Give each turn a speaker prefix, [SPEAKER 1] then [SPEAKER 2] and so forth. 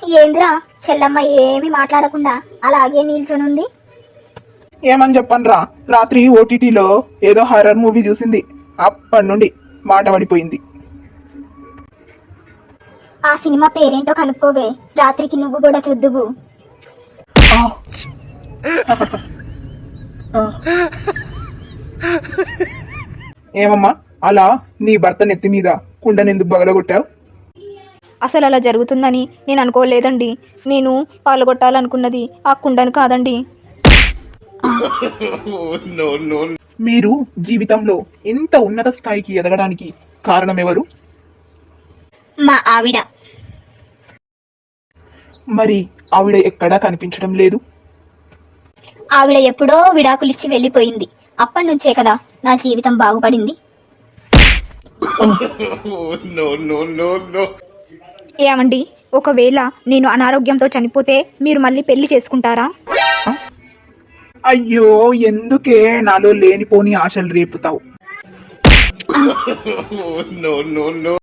[SPEAKER 1] ఏందిరా చెల్లమ్మ ఏమి మాట్లాడకుండా అలాగే నిల్చొనుంది?
[SPEAKER 2] ఏమని చెప్పనురా, రాత్రి ఓటీటీలో ఏదో హర్రర్ మూవీ చూసింది. అప్పటి నుండి మాట పడిపోయింది.
[SPEAKER 1] ఆ సినిమా పేరేంటో కనుక్కోవే, రాత్రికి నువ్వు కూడా చూద్దువు.
[SPEAKER 2] ఆ. ఏమమ్మా, అలా నీ భర్త నెత్తి మీద కుండనెందుకు బగలగొట్టావు?
[SPEAKER 3] అసలు అలా జరుగుతుందని నేను అనుకోలేదండి. నేను పాల్గొట్టాలనుకున్నది ఆ కుండను కాదండి.
[SPEAKER 2] మీరు జీవితంలో ఇంత ఉన్నత స్థాయికి ఎదగడానికి కారణం ఎవరు?
[SPEAKER 1] మా ఆవిడ.
[SPEAKER 2] మరి ఆవిడ ఎక్కడా కనిపించడం లేదు.
[SPEAKER 1] ఆవిడ ఎప్పుడో విడాకులిచ్చి వెళ్ళిపోయింది. అప్పటి నుంచే కదా నా జీవితం బాగుపడింది.
[SPEAKER 3] ఏమండి, ఒకవేళ నేను అనారోగ్యంతో చనిపోతే మీరు మళ్ళీ పెళ్లి చేసుకుంటారా?
[SPEAKER 2] అయ్యో, ఎందుకే నాలో లేనిపోని ఆశలు రేపుతావు?